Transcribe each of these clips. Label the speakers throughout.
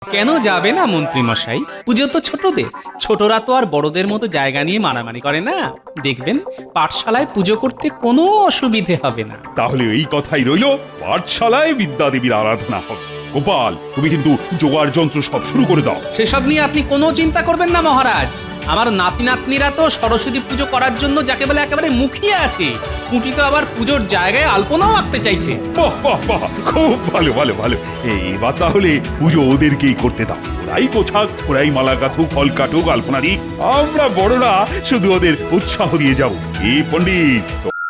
Speaker 1: কেন যাবে না মন্ত্রী মশাই? পুজো তো ছোটদের, ছোটরা তো আর বড়দের মতো জায়গা নিয়ে মারামারি করে না। দেখবেন পাঠশালায় পুজো করতে কোনো অসুবিধে হবে না।
Speaker 2: তাহলে এই কথাই রইল, পাঠশালায় বিদ্যাদেবীর আরাধনা হবে। গোপাল, তুমি কিন্তু জোগাড় যন্ত্র সব শুরু করে দাও।
Speaker 1: সেসব নিয়ে আপনি কোনো চিন্তা করবেন না মহারাজ। আমার নাতি নাতনিরা তো সরস্বতী পুজো করার জন্য যাকে বলে একেবারে মুখিয়ে আছে। কুটি তো আবার পুজোর জায়গায় আলপনাও আঁকতে চাইছে।
Speaker 2: বাহ বাহ বাহ, খুব ভালো ভালো ভালো। এবার তাহলে পুজো ওদেরকেই করতে দাও। ওরাই গোছাক, ওরাই মালা গাঁথুক, ফল কাটুক, আলপনা দিক। আমরা বড়রা শুধু ওদের উৎসাহ দিয়ে যাবো। কি পণ্ডিত?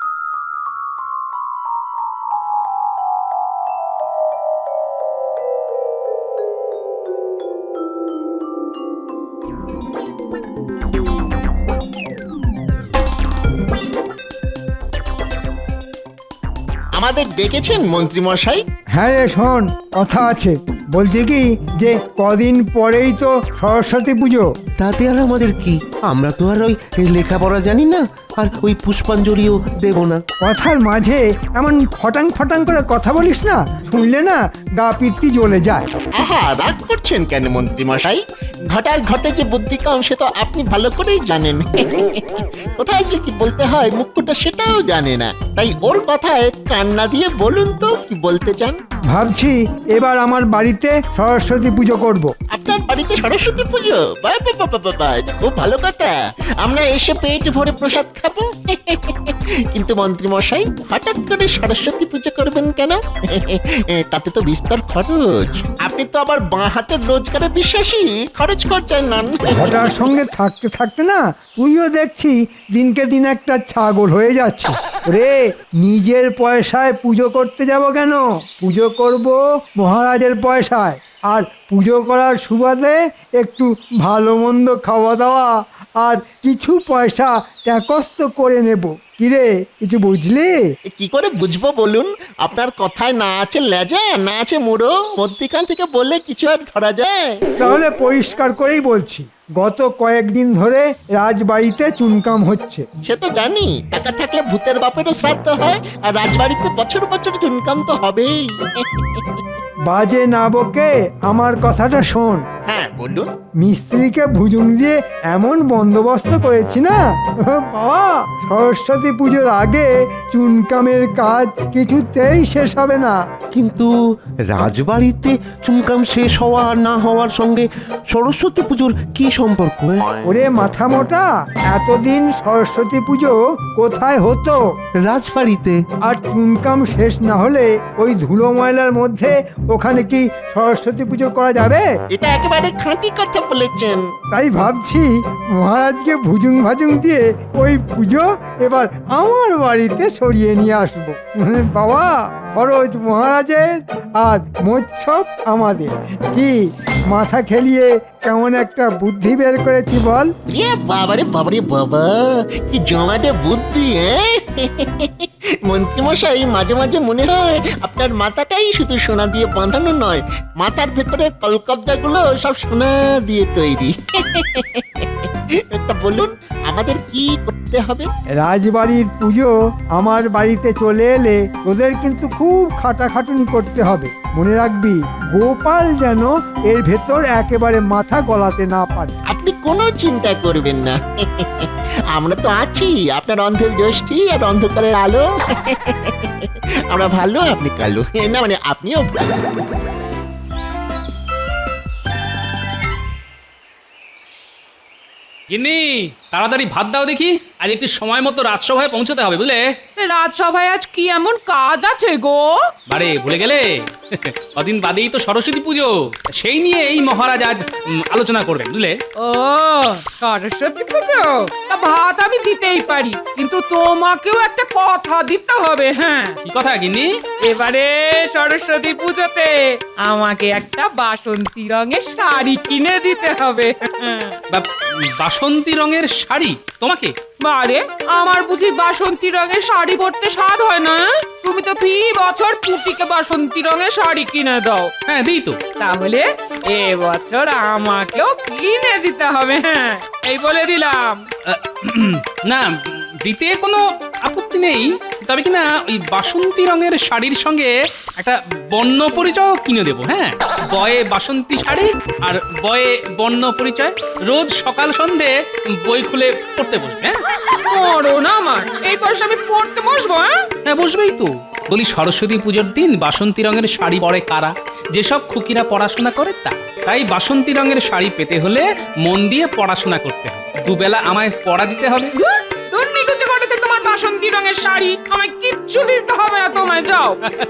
Speaker 3: আমাদের ডেকেছেন মন্ত্রী মশাই?
Speaker 4: হ্যাঁ রে শোন, কথা আছে। বলছি কি যে কদিন পরেই তো সরস্বতী পুজো।
Speaker 5: তাতে আর আমাদের কি? আমরা তো আর ওই লেখাপড়া জানি না, আর ওই পুষ্পাঞ্জলিও দেব না।
Speaker 4: কথার মাঝে এমন ফটাং ফটাং করে কথা বলিস না, শুনলে না গা পিত্তি জ্বলে যায়।
Speaker 3: আহা, রাগ করছেন কেন মন্ত্রী মশাই? ঘটার ঘটে যে বুদ্ধি কম সে তো আপনি ভালো করেই জানেন। কোথায় যে কি বলতে হয় মুখ্যটা সেটাও জানে না। তাই ওর কথায় কান্না দিয়ে বলুন তো কি বলতে চান।
Speaker 4: ভাবছি এবার আমার বাড়িতে সরস্বতী পুজো করব।
Speaker 3: আপনার বাড়িতে সরস্বতী পুজো? বাহ বাহ বাহ বাহ বাহ, এটা খুব ভালো কথা। আমরা এসে পেট ভরে প্রসাদ খাবো। কিন্তু মন্ত্রী মশাই, হঠাৎ করে সরস্বতী পুজো করবেন কেন? তাতে তো বিস্তর খরচ। আপনি তো আবার বাঁ হাতের রোজগারে বিশ্বাসী, খরচ করছেন না।
Speaker 4: ঘটার সঙ্গে থাকতে থাকতে না তুইও দেখছি দিনকে দিন একটা ছাগল হয়ে যাচ্ছে রে। নিজের পয়সায় পুজো করতে যাব কেন? পুজো করব মহারাজের পয়সায়, আর পুজো করার সুবাদে একটু ভালো মন্দ খাওয়া দাওয়া আর কিছু পয়সা ট্যাকস্ত করে নেব। কিরে, কিছু বুঝলি?
Speaker 3: কি করে বুঝবো বলুন? আপনার কথায় না আছে লেজা, না আছে মুড়ো, মধ্যিখান থেকে বললে কিছু আর ধরা যায়?
Speaker 4: তাহলে পরিষ্কার করেই বলছি, গত কয়েকদিন ধরে রাজবাড়িতে চুনকাম হচ্ছে।
Speaker 3: সে তো জানি, টাকা থাকলে ভূতের বাপেরও শ্রাদ্ধ হয়, আর রাজবাড়িতে বছর বছর চুনকাম তো হবেই।
Speaker 4: বাজে না বকে আমার কথাটা শোন।
Speaker 3: হ্যাঁ বলুন।
Speaker 4: মিস্ত্রিকে ভুজুং দিয়ে এমন বন্দোবস্ত করেছি না বাবা, সরস্বতী পুজোর আগে চুনকামের কাজ কিছুতেই শেষ হবে না।
Speaker 5: কিন্তু রাজবাড়িতে চুমকাম শেষ হওয়া আর না হওয়ার সঙ্গে সরস্বতী পুজোর কি সম্পর্ক?
Speaker 4: ওরে মাথা মোটা, এতদিন সরস্বতী পুজো কোথায় হতো?
Speaker 5: রাজবাড়িতে।
Speaker 4: আর চুনকাম শেষ না হলে ওই ধুলো ময়লার মধ্যে ওখানে কি সরস্বতী পুজো করা যাবে?
Speaker 3: এটা একেবারে খাঁটি কথা বলেছেন।
Speaker 4: তাই ভাবছি মহারাজকে ভুজুং ভাজুং দিয়ে ওই পুজো এবার আমার বাড়িতে সরিয়ে নিয়ে আসবো। বাবা, খরচ মহারাজের আর মোচ্ছব আমাদের। কি মাথা খেলিয়ে কেমন একটা বুদ্ধি বের করেছি বল?
Speaker 3: রে বাবারে বাবারে বাবা, কি জমাটে বুদ্ধি! মন্ত্রী মশাই, মাঝে মাঝে মনে হয় আপনার মাথাটাই শুধু সোনা দিয়ে বাঁধানো নয়, মাথার ভেতরের কলকবজাগুলো সব সোনা দিয়ে তৈরি। তা বলুন, আমাদের কি করতে হবে?
Speaker 4: রাজবাড়ির পুজো আমার বাড়িতে চলে এলে তোদের কিন্তু খুব খাটাখাটুনি করতে হবে। মনে রাখবি, গোপাল যেন এর ভেতর একেবারে মাথা গলাতে না পারে।
Speaker 3: আপনি কোনো চিন্তা করবেন না, আমরা তো আছি। আপনার অন্ধের জ্যোষ্ঠী আর অন্ধকারের আলো। আমরা ভালো, আপনি কালো না, মানে আপনিও ভালো।
Speaker 1: গিন্নি, তাড়াতাড়ি ভাত দাও দেখি, আজ একটু সময় মতো রাজসভায় পৌঁছতে হবে বুঝলে।
Speaker 6: রাজসভায় আজ কি এমন কাজ আছে গো?
Speaker 1: বারে ভুলে গেলে? কদিন বাদেই তো সরস্বতী পুজো, সেই নিয়ে এই মহারাজ আজ আলোচনা করবেন বুঝলে।
Speaker 6: ও সরস্বতী পুজো, তা ভাত আমি দিতেই পারি, কিন্তু তোমাকেও একটা কথা দিতে হবে। হ্যাঁ,
Speaker 1: কি কথা গিন্নি?
Speaker 6: এবারে সরস্বতী পুজোতে আমাকে একটা বাসন্তী রঙের শাড়ি কিনে দিতে হবে।
Speaker 1: বাসন্তী রঙের শাড়ি তোমাকে?
Speaker 6: বারে, আমার বুঝি বাসন্তী রঙের শাড়ি পরতে স্বাদ হয় না? তুমি তো ফি বছর পুটিকে বাসন্তী রঙের শাড়ি কিনে দাও।
Speaker 1: হ্যাঁ দিই তো।
Speaker 6: তাহলে এবছর আমাকেও কিনে দিতে হবে। হ্যাঁ, এই বলে দিলাম।
Speaker 1: না, দিতে কোনো আপত্তি নেই, তবে কি না ওই বাসন্তী রঙের শাড়ির সঙ্গে একটা বর্ণ পরিচয় কিনে দেবো, হ্যাঁ? বয়ে বাসন্তী শাড়ি আর বয়ে বর্ণ পরিচয়। রোজ সকাল সন্ধে বই খুলে পড়তে বসবে, হ্যাঁ?
Speaker 6: মরণ আমার, এই বয়সে আমি পড়তে বসবো? হ্যাঁ,
Speaker 1: হ্যাঁ, বসবেই তো। বলি, সরস্বতী পুজোর দিন বাসন্তী রঙের শাড়ি পরে কারা? যেসব খুকিরা পড়াশোনা করে তা। তাই বাসন্তী রঙের শাড়ি পেতে হলে মন দিয়ে পড়াশোনা করতে হবে, দুবেলা আমায় পড়া দিতে হবে।
Speaker 6: দূর নিকুচি করেছে তোমার বাসন্তী রঙের শাড়ি, আমায় কিচ্ছু দিতে হবে না, তোমায় যাও।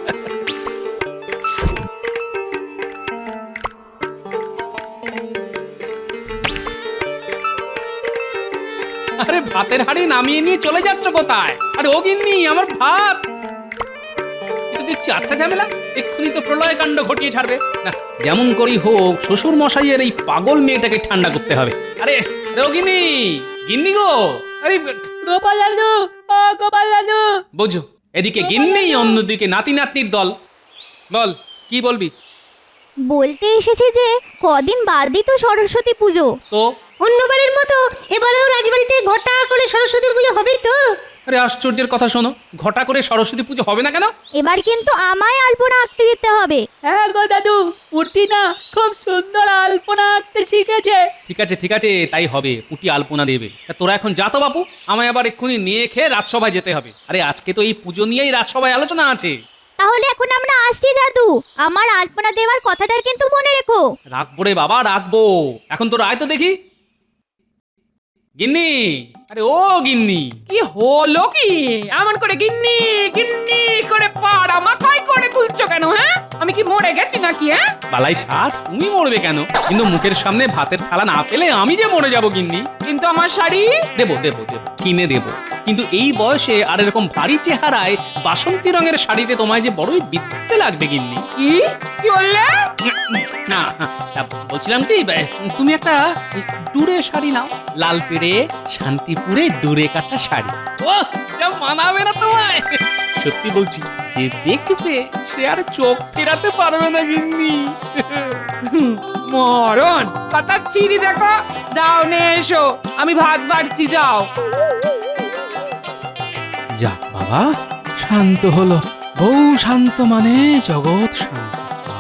Speaker 1: আরে ভাতের হাঁড়ি নামিয়ে নিয়ে চলে যাচ্ছ কোথায়? আরে ও গিন্নি, আমার ভাত। এটা দেখছি আচ্ছা ঝামেলা, এক্ষুনি তো প্রলয় কাণ্ড ঘটিয়ে ছাড়বে। না, যেমন করেই হোক শ্বশুর মশাইয়ের এই পাগল মেয়েটাকে ঠান্ডা করতে হবে। আরে ও গিন্নি, গিন্নি গো, আরে গোপাল দাদু, ও গোপাল দাদু। বোঝো, এদিকে গিন্নি, অন্যদিকে নাতি নাতনির দল। বল, কি বলবি?
Speaker 7: বলতে এসেছি যে কদিন বাদই তো সরস্বতী পুজো।
Speaker 1: তো
Speaker 8: অন্যবারের মতো এবারেও রাজবাড়িতে ঘটা করে সরস্বতী পুজো হবে তো?
Speaker 1: আরে আশ্চর্যের কথা শোনো, ঘটা করে সরস্বতী পুজো হবে না কেন?
Speaker 7: এবার কিন্তু আমায় আলপনা আঁকতে দিতে হবে।
Speaker 9: হ্যাঁ গো দাদু, পুটি না খুব সুন্দর আলপনা আঁকতে শিখেছে।
Speaker 1: ঠিক আছে ঠিক আছে, তাই হবে, পুটি আলপনা দেবে। তা তোরা এখন যা তো বাপু, আমায় আবার এক্ষুনি নিয়ে খেয়ে রাজসভায় যেতে হবে। আরে আজকে তো এই পুজো নিয়েই রাজসভায় আলোচনা আছে।
Speaker 7: তাহলে এখন আমরা আসছি দাদু, আমার আলপনা দেওয়ার কথাটা কিন্তু মনে রেখো।
Speaker 1: রাখবো রে বাবা, রাখবো। এখন তোরা আয় তো দেখি। গিন্নি, আরে ও গিন্নি।
Speaker 6: কি হলো কি? এমন করে গিন্নি গিন্নি করে পাড়া মাথায় করে তুলছো কেন? হ্যাঁ, আমি কি মরে গেছি নাকি? হ্যাঁ,
Speaker 1: বালাই ষাট, তুমি মরবে কেন? কিন্তু মুখের সামনে ভাতের থালা না পেলে আমি যে মরে যাবো গিন্নি।
Speaker 6: কিন্তু আমার শাড়ি
Speaker 1: দেবো দেবো দেবো, কিনে দেবো। কিন্তু এই বয়সে আর এরকম ভারী চেহারায় বাসন্তী রঙের শাড়িতে তোমায় যে বড়ই বিদ্যে লাগবে গিন্নি।
Speaker 6: কি কি বললে?
Speaker 1: না, বলছিলাম কি, তুমি একটা ডুরে শাড়ি নাও, লাল পেড়ে শান্তিপুরে ডুরে কাটা শাড়ি। ও যা মানাবে না তোমায়, সত্যি বলছি, যে দেখবে সে আর চোখ ফেরাতে পারবে না গিন্নি।
Speaker 6: মরণ কথা চিনি দেখো, যাও নে এসো, আমি ভাত বাড়ছি, যাও।
Speaker 1: যাক বাবা, শান্ত হলো। বউ শান্ত মানে জগৎ শান্ত।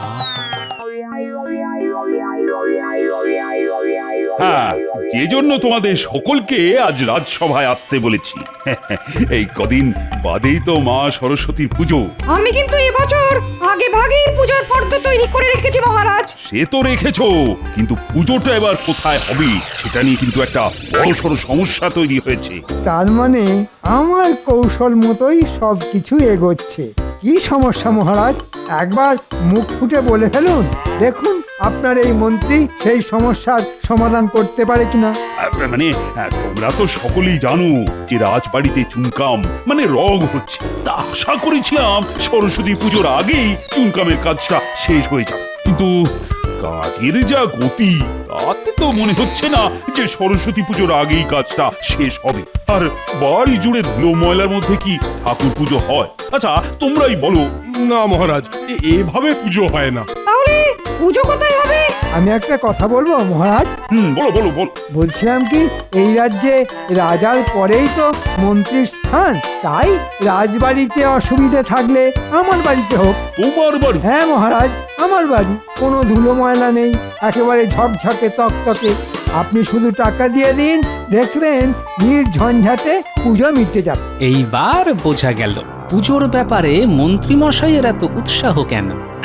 Speaker 2: হ্যাঁ, যে জন্য তোমাদের সকলকে আজ রাজসভায় আসতে বলেছি। এই কদিন বাদেই তো মা সরস্বতীর পুজো।
Speaker 8: আমি কিন্তু এবছর আগে ভাগেই পূজার ফর্দ তৈরি করে রেখেছি মহারাজ।
Speaker 2: সে তো রেখেছো, কিন্তু পুজোটা এবার কোথায় হবে সেটা নিয়ে কিন্তু একটা বড়সড় সমস্যা তৈরি হয়েছে।
Speaker 4: তার মানে আমার কৌশল মতোই সব কিছু এগোচ্ছে। কি সমস্যা মহারাজ, একবার মুখ ফুটে বলে ফেলুন, দেখুন আপনার এই মন্ত্রী সেই সমস্যার সমাধান করতে পারে কিনা।
Speaker 2: মানে তোমরা তো সকলেই জানো যে রাজবাড়িতে চুনকাম মানে রগ হচ্ছে। তা আশা করেছিলাম সরস্বতী পুজোর আগেই চুনকামের কাজটা শেষ হয়ে যাবে, কিন্তু কাজের যা গতি তাতে তো মনে হচ্ছে না যে সরস্বতী পুজোর আগেই কাজটা শেষ হবে। আর বাড়ি জুড়ে ধুলো ময়লার মধ্যে কি ঠাকুর পুজো হয়? আচ্ছা তোমরাই বলো।
Speaker 10: না মহারাজ, এভাবে পুজো হয় না।
Speaker 8: তাহলে পুজো কোথায় হবে?
Speaker 4: আমি একটা কথা বলবো মহারাজ।
Speaker 2: বলো বলো বলো।
Speaker 4: বলছিলাম কি, এই রাজ্যে রাজার পরেই তো মন্ত্রীর স্থান, তাই রাজবাড়িতে অসুবিধে থাকলে আমার বাড়িতে হোক।
Speaker 2: তোমার বাড়ি?
Speaker 4: হ্যাঁ মহারাজ, আমার বাড়ি। কোনো ধুলো ময়লা নেই, একেবারে ঝকঝকে তকতকে। আপনি শুধু টাকা দিয়ে দিন, দেখবেন নির্ঝঞ্ঝাটে পুজো মিটে যাবে।
Speaker 1: এইবার বোঝা গেল পুজোর ব্যাপারে মন্ত্রী মশাইয়ের এত উৎসাহ কেন।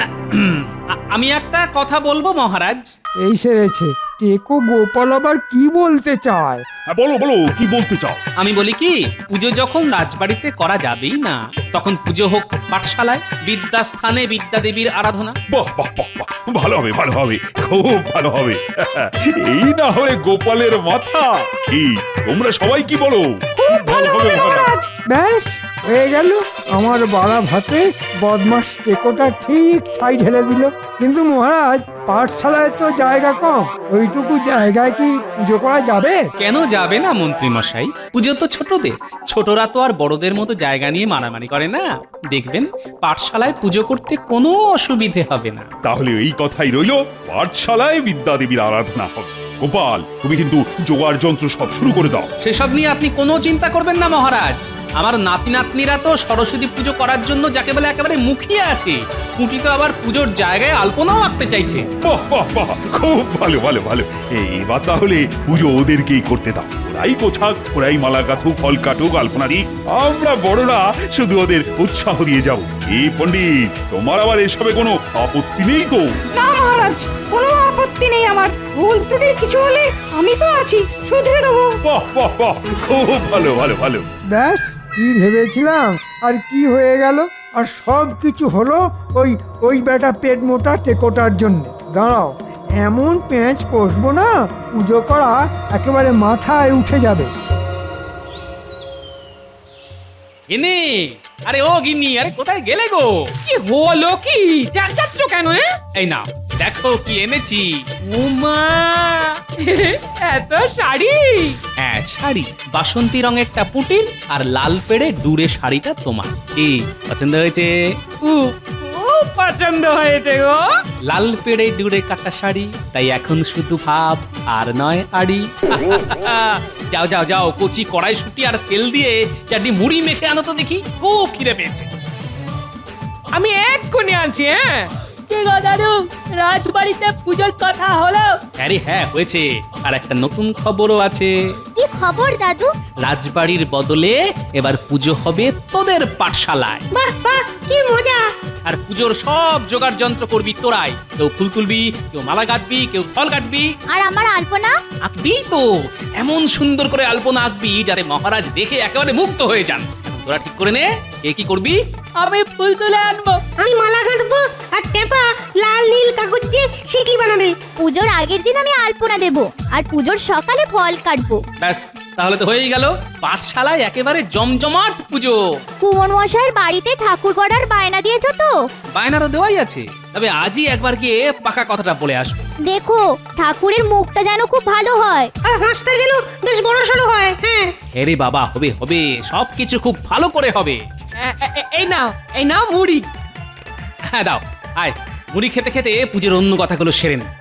Speaker 1: আমি একটা কথা বলবো মহারাজ।
Speaker 4: এই সেরেছে, টেকো গোপাল আবার কি বলতে চায়।
Speaker 2: বলো বলো, কি বলতে চাও?
Speaker 1: আমি বলি কি, পুজো যখন রাজবাড়িতে করা যাবেই না, তখন পুজো হোক পাঠশালায়, বিদ্যাস্থানে বিদ্যা দেবীর আরাধনা।
Speaker 2: বাহ বাহ বাহ বাহ, ভালো হবে ভালো হবে, খুব ভালো হবে। এই না হলে গোপালের মাথা। কি তোমরা সবাই কি বলো?
Speaker 8: খুব ভালো হবে মহারাজ।
Speaker 4: ব্যাস হয়ে গেল, আমার বাড়া ভাতে বদমাস টেকোটা ঠিক ছাই ঢেলে দিল। কিন্তু মহারাজ, পাঠশালায় তো জায়গা কম, ওইটুকু জায়গায় কি পুজো করা যাবে?
Speaker 1: কেন যাবে না মন্ত্রী মশাই? পুজো তো ছোটদের, ছোটরা তো আর বড়দের মতো জায়গা নিয়ে মারামারি করে না। দেখবেন পাঠশালায় পুজো করতে কোনো অসুবিধে হবে না।
Speaker 2: তাহলে এই কথাই রইল, পাঠশালায় বিদ্যা দেবীর আরাধনা হবে। গোপাল, তুমি কিন্তু জোগাড় যন্ত্র সব শুরু করে দাও।
Speaker 1: সেসব নিয়ে আপনি কোনো চিন্তা করবেন না মহারাজ, আমার নাতি নাতনিরা তো সরস্বতী পুজো করার জন্য যাকে বলে একেবারে মুখিয়ে আছে। পুঁটি তো আবার পুজোর জায়গায় আলপনাও আঁকতে চাইছে।
Speaker 2: বাহ বাহ বাহ, খুব ভালো ভালো ভালো। এবার তাহলে পুজো ওদেরকেই করতে দাও। ওরাই গোছাক, ওরাই মালা গাথুক, ফল কাটুক, আলপনা দিক। আমরা বড়রা শুধু ওদের উৎসাহ দিয়ে যাব। এই পণ্ডিত, তোমার আবার এসবে কোনো আপত্তি নেই তো?
Speaker 8: না মহারাজ, কোনো আপত্তি নেই আমার। ভুল ত্রুটি কিছু হলে আমি তো আছি, শুধরে দেবো।
Speaker 2: বাহ বাহ বাহ, খুব ভালো ভালো ভালো।
Speaker 4: ব্যাস, কি ভেবেছিলাম আর কি হয়ে গেল। আর সব কিছু হলো ওই বেটা পেট মোটা টেকোটার জন্য। দাঁড়াও, এমন পেঁচ কষবো না, পুজো করা একেবারে মাথায় উঠে যাবে।
Speaker 1: গিন্নি, আরে ও গিন্নি, আরে কোথায় গেলে গো?
Speaker 6: কি হলো কি? চেঁচাচ্ছ কেন?
Speaker 1: এই নাও, দেখো কি এনেছি।
Speaker 6: উমা, এত শাড়ি!
Speaker 1: হ্যাঁ, শাড়ি। বাসন্তী রঙেরটা পুটির আর লাল পেড়ে ডুরে শাড়িটা তোমার। কি পছন্দ হয়েছে?
Speaker 6: খুব পছন্দ হয়েছে গো।
Speaker 1: লাল পেড়ে ডুরে কাটা শাড়ি, তাই এখন শুধু ভাব আর নয় আড়ি। যাও যাও যাও, কচি কড়াইশুঁটি আর তেল দিয়ে চারটি মুড়ি মেখে আনো তো দেখি, খুব খিদে পেয়েছে।
Speaker 6: আমি এক্ষুনি আনছি।
Speaker 9: কি গো দাদু, রাজবাড়িতে পুজোর কথা হলো?
Speaker 1: আরে হ্যাঁ, হয়েছে। আর একটা নতুন খবরও আছে।
Speaker 7: কি খবর দাদু?
Speaker 1: রাজবাড়ির বদলে এবার পুজো হবে তোদের পাঠশালায়।
Speaker 8: বাহ বাহ, কি মজা!
Speaker 1: আর পুজোর সব জোগাড় যন্ত্র করবি তোরাই। কেউ ফুল তুলবি, কেউ মালা গাঁথবি, কেউ ফল কাটবি।
Speaker 7: আর আমার আলপনা?
Speaker 1: আঁকবি তো, এমন সুন্দর করে আলপনা আঁকবি যাতে মহারাজ দেখে একেবারে মুগ্ধ হয়ে যান। এখন তোরা ঠিক করে নে, কে কি করবি।
Speaker 9: আমি ফুল তুলে আনবো।
Speaker 8: আমি মালা গাঁথবো, আর টেপা লাল নীল কাগজ দিয়ে শিকলি বানাবে।
Speaker 7: পুজোর আগের দিন আমি আলপনা দেব, আর পুজোর সকালে ফল কাটবো।
Speaker 1: ব্যাস, তাহলে তো হয়েই গেল। পাঠশালায় একেবারে জমজমাট পুজো।
Speaker 7: কুমন মশাইয়ের বাড়িতে ঠাকুর গড়ার বায়না দিয়েছো তো?
Speaker 1: বায়নারও দেওয়াই আছে, তবে আজই একবার গিয়ে পাকা কথাটা বলে আসবো।
Speaker 7: দেখো, ঠাকুরের মুখটা যেন খুব ভালো হয়।
Speaker 8: আর হাঁসটা যেন বেশ বড় সড়ো হয়। হ্যাঁ,
Speaker 1: আরে বাবা, হবে হবে, সবকিছু খুব ভালো করে হবে।
Speaker 6: এই নাও মুড়ি।
Speaker 1: হ্যাঁ দাও, আয়। মুড়ি খেতে খেতে পুজোর অন্য কথাগুলো সেরে নে।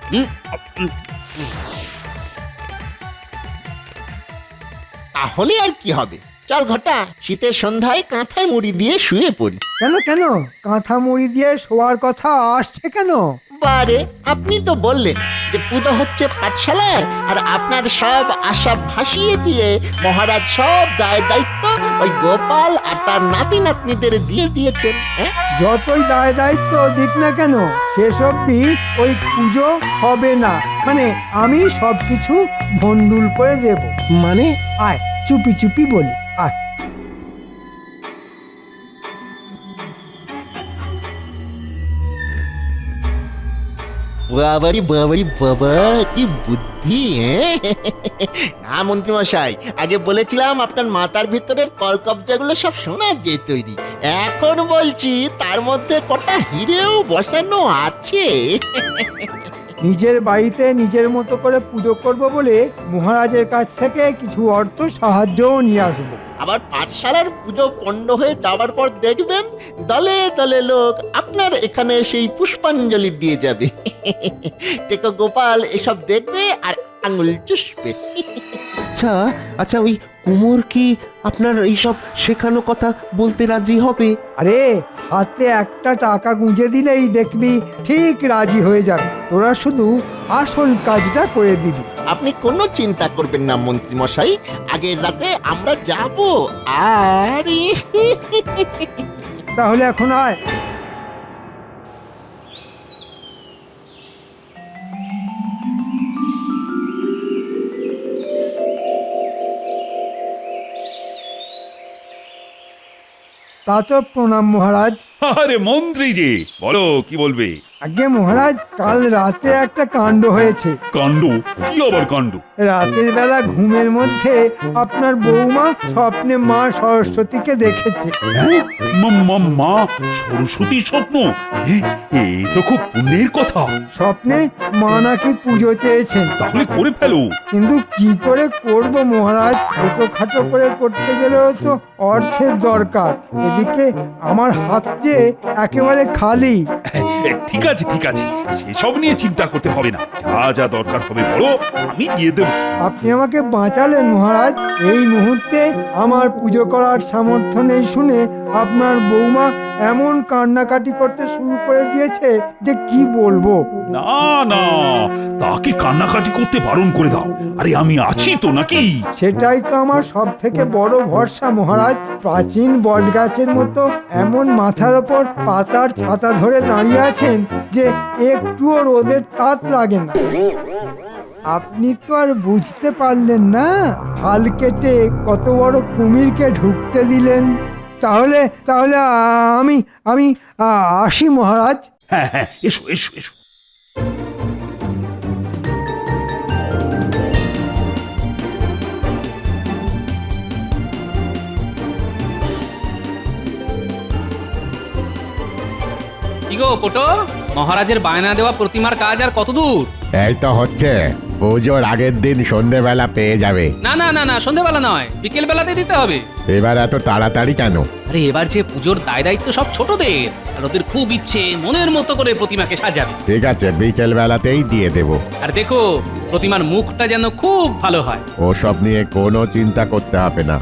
Speaker 3: তাহলে আর কি হবে, চল ঘটা, শীতের সন্ধ্যায় কাঁথার মুড়ি দিয়ে শুয়ে পড়ি।
Speaker 4: কেন কেন, কাঁথা মুড়ি দিয়ে শোয়ার কথা আসছে কেন?
Speaker 3: বারে, আপনি তো বললেন যে পুজো হচ্ছে পাঠশালায়, আর আপনার সব আশা ভাসিয়ে দিয়ে মহারাজ সব দায় দায়িত্ব ওই গোপাল আর তার নাতি নাতনিদের দিয়ে দিয়েছেন। হ্যাঁ,
Speaker 4: যতই দায় দায়িত্ব দিক না কেন, শেষ অবধি ওই পুজো হবে না। মানে আমি সবকিছু ভন্ডুল করে দেব।
Speaker 5: মানে?
Speaker 4: আয়, চুপি চুপি বলি, আয়।
Speaker 3: বাবারি বাবারি বাবা, কি বুদ্ধি! না মন্ত্রী মশাই, আগে বলেছিলাম আপনার মাথার ভিতরের কলকবজাগুলো সব সোনা দিয়ে তৈরি। এখন বলছি তার মধ্যে কটা হিরেও বসানো আছে।
Speaker 4: নিজের বাড়িতে নিজের মতো করে পুজো করব বলে মহারাজের কাছ থেকে কিছু অর্থ সাহায্যও নিয়ে আসবো।
Speaker 3: আবার পাঠশালার পুজো পণ্ড হয়ে যাওয়ার পর দেখবেন দলে দলে লোক আপনার এখানে সেই পুষ্পাঞ্জলি দিয়ে যাবে। টেকো গোপাল এসব দেখবে আর আঙুল চুষবে।
Speaker 5: আচ্ছা আচ্ছা, ওই কুমোর কি আপনার এইসব শেখানো কথা বলতে রাজি হবে?
Speaker 4: আরে, হাতে একটা টাকা গুঁজে দিলেই দেখবি ঠিক রাজি হয়ে যাবে। তোরা শুধু আসল কাজটা করে দিবি।
Speaker 3: আপনি কোনো চিন্তা করবেন না মন্ত্রী মশাই, আগের রাতে আমরা যাব। আর
Speaker 4: তাহলে এখন আয়। তা তো প্রণাম মহারাজ।
Speaker 2: আরে মন্ত্রী যে, বলো কি বলবে।
Speaker 4: আগে মহারাজ, কাল রাতে একটা কাণ্ড হয়েছে।
Speaker 2: কাণ্ড? কি আবার কাণ্ড?
Speaker 4: রাতের বেলা ঘুমের মধ্যে আপনার বৌমা স্বপ্নে মা সরস্বতীকে দেখেছে।
Speaker 2: হ্যাঁ? মা সরস্বতী স্বপ্ন? এ তো খুব পুণ্যের কথা।
Speaker 4: স্বপ্নে মা নাকি পুজো চেয়েছেন।
Speaker 2: তাহলে করে ফেলো।
Speaker 4: কিন্তু কি করে করব মহারাজ? ছোটখাটো করে করতে গেলেও তো অর্থের দরকার। এদিকে আমার হাত যে একেবারে খালি।
Speaker 2: ঠিক আছে ঠিক আছে, সেসব নিয়ে চিন্তা করতে হবে না। যা যা দরকার হবে বলো, আমি দিয়ে দেবো।
Speaker 4: আপনি আমাকে বাঁচালেন মহারাজ। এই মুহূর্তে আমার পুজো করার সামর্থ্য নেই শুনে আপনার বৌমা এমন কান্নাকাটি করতে শুরু করে দিয়েছে যে কি বলবো।
Speaker 2: না না, তাকে কান্নাকাটি করতে বারণ করে দাও। আরে আমি আছি তো নাকি?
Speaker 4: সেটাই তো আমার সব থেকে বড় ভরসা মহারাজ। প্রাচীন বটগাছের মতো এমন মাথার ওপর পাতার ছাতা ধরে দাঁড়িয়ে আছেন যে একটুও রোদের তাপ লাগে না। আপনি তো আর বুঝতে পারলেন না, হাল কেটে কত বড় কুমিরকে ঢুকতে দিলেন। তাহলে তাহলে আমি আমি আসি মহারাজ।
Speaker 2: হ্যাঁ হ্যাঁ, এসো এসো এসো।
Speaker 1: কি গো পোটো, মহারাজের বায়না দেওয়া প্রতিমার কাজ আর কত দূর?
Speaker 11: এই তো হচ্ছে, পুজোর আগের দিন সন্ধেবেলা পেয়ে যাবে।
Speaker 1: না না না না, সন্ধেবেলা নয়, বিকেল বেলাতে দিতে হবে।
Speaker 11: এবার এত তাড়াতাড়ি কেন?
Speaker 1: আরে এবার যে পুজোর দায় দায়িত্ব সব ছোটদের, আর ওদের খুব ইচ্ছে মনের মতো করে প্রতিমাকে সাজাবে।
Speaker 11: ঠিক আছে, বিকেল বেলাতেই দিয়ে দেব।
Speaker 1: আর দেখো প্রতিমার মুখটা যেন খুব ভালো হয়।
Speaker 11: ওসব নিয়ে কোনো চিন্তা করতে হবে না।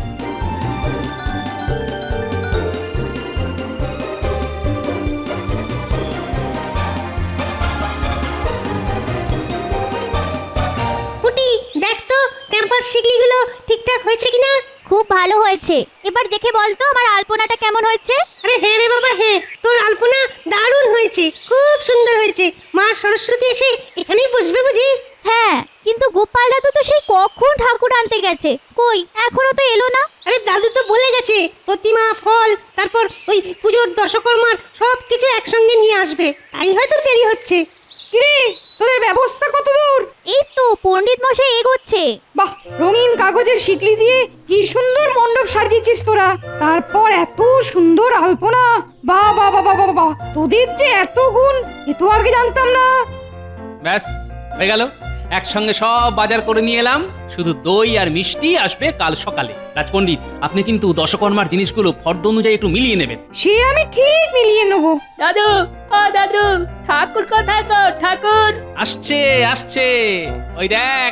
Speaker 3: পুটি দেখ তো টেম্পার শিকলিগুলো ঠিকঠাক হয়েছে কিনা।
Speaker 7: খুব ভালো হয়েছে। এবার দেখে বলতো আমার আলপনাটা কেমন হয়েছে?
Speaker 3: আরে হ্যাঁ রে বাবা হ্যাঁ, তোর আলপনা দারুণ হয়েছে, খুব সুন্দর হয়েছে। মা সরস্বতী এসে এখানেই বসবে বুঝি?
Speaker 7: হ্যাঁ, কিন্তু গোপাল দাদু তো সেই কখন ঠাকুর আনতে গেছে, কই এখনো তো এলো না।
Speaker 3: আরে দাদু তো বলে গেছে প্রতিমা, ফল, তারপর ওই পুজোর দশকর্মার সব কিছু একসঙ্গে নিয়ে আসবে, তাই হয়তো দেরি হচ্ছে।
Speaker 8: কিরে তোদের ব্যবস্থা কত দূর?
Speaker 7: এই তো পণ্ডিত মশাই এগোচ্ছে।
Speaker 8: বাহ, রঙিন কাগজের শিকলি দিয়ে কি সুন্দর মণ্ডপ সাজিয়েছিস তোরা। তারপর এত সুন্দর আলপনা। বাহ বাহ বাহ বাহ বাহ, তোদের যে এত গুণ, এ তো আগে জানতাম না।
Speaker 1: ব্যাস হয়ে গেল, একসঙ্গে সব বাজার করে নিয়ে এলাম। শুধু দই আর মিষ্টি আসবে কাল সকালে। রাজপণ্ডিত, আপনি কিন্তু দশকর্মার জিনিসগুলো ফর্দ অনুযায়ী একটু মিলিয়ে নেবেন।
Speaker 8: সে আমি ঠিক মিলিয়ে নেবো।
Speaker 9: দাদু, ও দাদু, ঠাকুর কোথায় গো? ঠাকুর
Speaker 1: আসছে আসছে, ওই দেখ।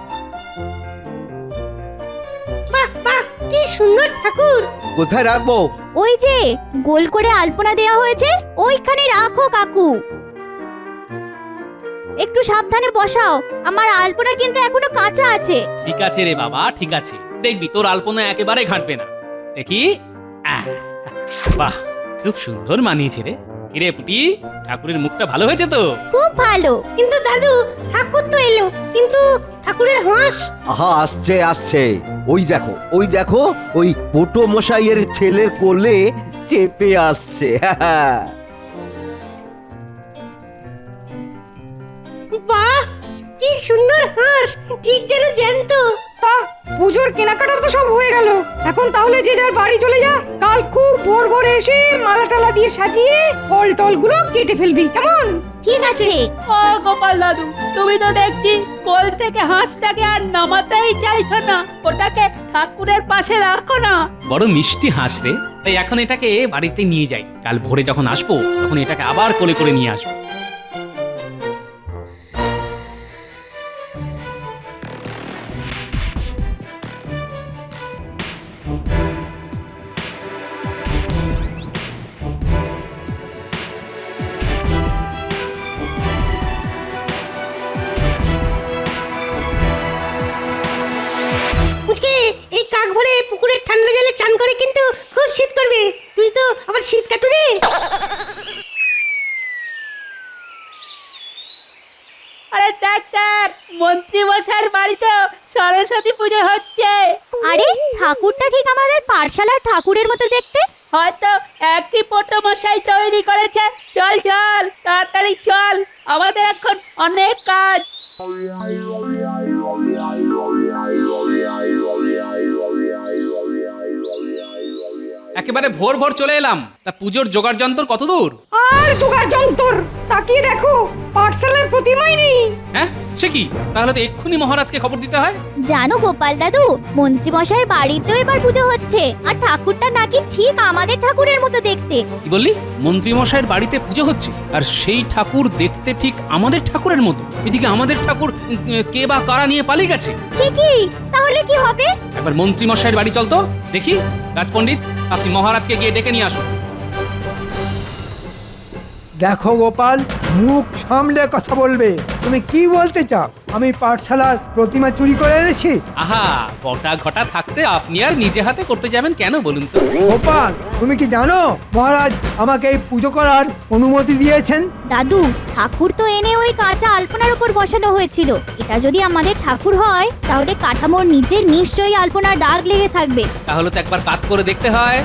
Speaker 3: বাহ বাহ, কি সুন্দর ঠাকুর।
Speaker 5: কোথায় রাখবো?
Speaker 7: ওই যে গোল করে আলপনা দেওয়া হয়েছে, ওইখানে রাখো কাকু। একটু সাবধানে বসাও, আমার আলপনা কিন্তু এখনো কাঁচা আছে।
Speaker 1: ঠিক আছে রে বাবা, ঠিক আছে, দেখবি তোর আলপনা একেবারে ঘাটবে না। দেখি, বাহ খুব সুন্দর মানিয়েছে রে। কিরে পুটি, ঠাকুরের মুখটা ভালো হয়েছে তো?
Speaker 7: খুব ভালো।
Speaker 3: কিন্তু দাদু, ঠাকুর তো এলো, কিন্তু ঠাকুরের হাঁস।
Speaker 5: আহা, আসছে আসছে, ওই দেখো ওই দেখো, ওই পোটো মশাইয়ের ছেলের কোলে চেপে আসছে।
Speaker 3: বাহ, কি সুন্দর হাঁস, ঠিক যেন জ্যান্ত।
Speaker 8: তা পুজোর কেনাকাটা তো সব হয়ে গেল, এখন তাহলে যে যার বাড়ি চলে যা। কাল খুব ভোর ভোরে এসে মালা টালা দিয়ে সাজিয়ে ফল টল গুলো কেটে ফেলবি, কেমন?
Speaker 7: ঠিক আছে।
Speaker 9: ও গোপাল দাদু, তুমি তো দেখছি কোল থেকে হাঁসটাকে আর নামাতেই চাইছো না। ওটাকে ঠাকুরের পাশে রাখো না।
Speaker 1: বড় মিষ্টি হাঁস রে, তাই এখন এটাকে বাড়িতে নিয়ে যাই। কাল ভোরে যখন আসবো তখন এটাকে আবার কোলে করে নিয়ে আসবো।
Speaker 3: মুচকে, এই কাক ভরে পুকুরের ঠান্ডা জলে চান করে কিন্তু খুব শীত করবে। তুই তো আবার শীত কাতুরে।
Speaker 9: আরে দেখ দেখ, মন্ত্রী মশাইয়ের বাড়িতে সরস্বতী পুজো হচ্ছে।
Speaker 7: আরে ঠাকুরটা ঠিক আমাদের পাঠশালার ঠাকুরের মতো দেখতে।
Speaker 9: হয়তো একই পোটো মশাই তৈরি করেছে। চল চল, তাড়াতাড়ি চল, আমাদের এখন অনেক কাজ।
Speaker 1: একেবারে ভোর ভোর চলে এলাম। তা পুজোর জোগাড় যন্ত্র কত দূর?
Speaker 8: আর জোগাড় যন্তর তাকিয়ে দেখো, পাঠশালার প্রতিমাই নেই।
Speaker 1: হ্যাঁ সে কি? তাহলে তো এক্ষুনি মহারাজকে খবর দিতে হয়।
Speaker 7: জানো গোপাল দাদু, মন্ত্রীমশাইয়ের বাড়িতেও এবার পুজো হচ্ছে, আর ঠাকুরটা নাকি ঠিক আমাদের ঠাকুরের মতো দেখতে।
Speaker 1: কি বললি? মন্ত্রীমশাইয়ের বাড়িতে পুজো হচ্ছে, আর সেই ঠাকুর দেখতে ঠিক আমাদের ঠাকুরের মতো? এদিকে আমাদের ঠাকুর কে বা কারা নিয়ে পালিয়ে গেছে।
Speaker 7: সে কি? তাহলে কি হবে?
Speaker 1: একবার মন্ত্রীমশাইয়ের বাড়ি চল তো দেখি। রাজপণ্ডিত, আপনি মহারাজকে গিয়ে ডেকে নিয়ে আসুন।
Speaker 4: দেখো গোপাল, মুখ সামলে কথা বলবে। তুমি কি বলতে চাও? আমি পাঠশালার প্রতিমা চুরি করে এনেছি?
Speaker 1: আহা, বটা ঘটা থাকতে আপনি আর নিজে হাতে করতে যাবেন কেন বলুন তো?
Speaker 4: গোপাল, তুমি কি জানো মহারাজ আমাকে এই পুজো করার অনুমতি দিয়েছেন?
Speaker 7: দাদু, ঠাকুর তো এনে ওই কাঁচা আলপনার উপর বসানো হয়েছিল। এটা যদি আমাদের ঠাকুর হয়, তাহলে কাঠামোর নিচে নিশ্চয়ই আলপনার দাগ লেগে থাকবে।
Speaker 1: তাহলে তো একবার কাজ করে দেখতে হয়।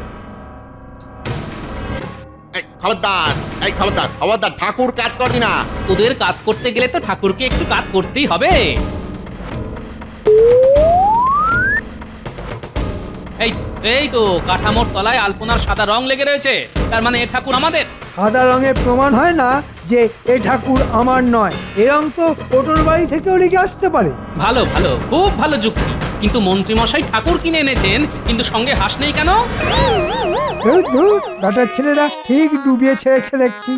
Speaker 3: খবরদার ঠাকুর কাজ করবি না।
Speaker 1: তোদের কাজ করতে গেলে তো ঠাকুরকে একটু কাজ করতেই হবে। এই এই তো কাঠামোর তলায় আলপনার সাদা রং লেগে রয়েছে, তার মানে এ ঠাকুর আমাদের।
Speaker 4: সাদা রঙের প্রমাণ হয় না যে এ ঠাকুর আমার নয়। এ রং তো ওটোর বাড়ি থেকেও লেগে আসতে পারে।
Speaker 1: ভালো ভালো, খুব ভালো যুক্তি। কিন্তু মন্ত্রীমশাই ঠাকুর কিনে এনেছেন, কিন্তু সঙ্গে হাঁস নেই কেন?
Speaker 4: বেটার ছেলেরা ঠিক ডুবিয়ে ছেড়েছে দেখছি।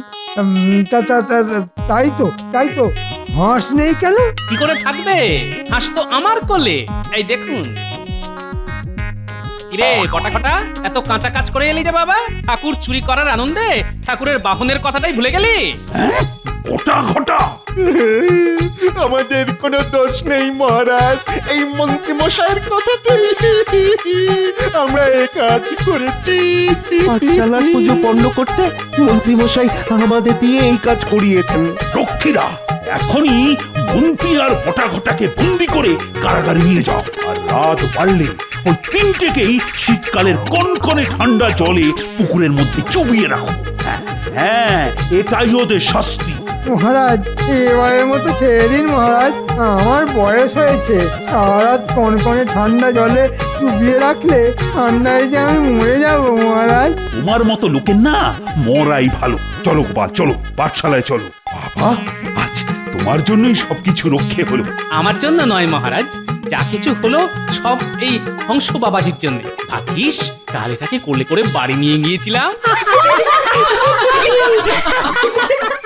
Speaker 4: তাই তো হাঁস নেই কেন?
Speaker 1: কি করে থাকবে? হাঁস তো আমার কোলে। এই দেখুন। কিরে কটা এত কাঁচা কাজ করে এলি যে বাবা? ঠাকুর চুরি করার আনন্দে ঠাকুরের বাহনের কথাটাই ভুলে গেলি?
Speaker 2: ওটা ঘটা
Speaker 3: আমাদের কোনো দোষ নেই মহারাজ, এই মন্ত্রী মশাইয়ের কথাতে আমরা এই কাজ করেছি।
Speaker 5: পাঠশালার পুজো পণ্য করতে মন্ত্রী মশাই আমাদের দিয়ে এই কাজ করিয়েছেন।
Speaker 2: রক্ষীরা, এখনই মন্ত্রী আর বটা ঘটাকে বন্দি করে কারাগারে নিয়ে যাও। আর রাত বাড়লে ওই তিনটেকেই শীতকালের কনকনে ঠান্ডা জলে পুকুরের মধ্যে চুবিয়ে রাখো। হ্যাঁ, এটাই ওদের শাস্তি।
Speaker 4: মহারাজ, এবারের মতো ছেড়ে দিন মহারাজ। আমার বয়স হয়েছে, সারা কনকনে ঠান্ডা জলে চুবিয়ে রাখলে ঠান্ডায় যে আমি মরে যাবো মহারাজ।
Speaker 2: তোমার মতো লোকের না মরাই ভালো। চলো গোপাল, চলো পাঠশালায় চলো। বাবা, আজ তোমার জন্যই সবকিছু রক্ষে হলো।
Speaker 1: আমার জন্য নয় মহারাজ, যা কিছু হলো সব এই হংস বাবাজির জন্য। ভাগ্যিস কাল এটাকে কোলে করে বাড়ি নিয়ে গিয়েছিলাম।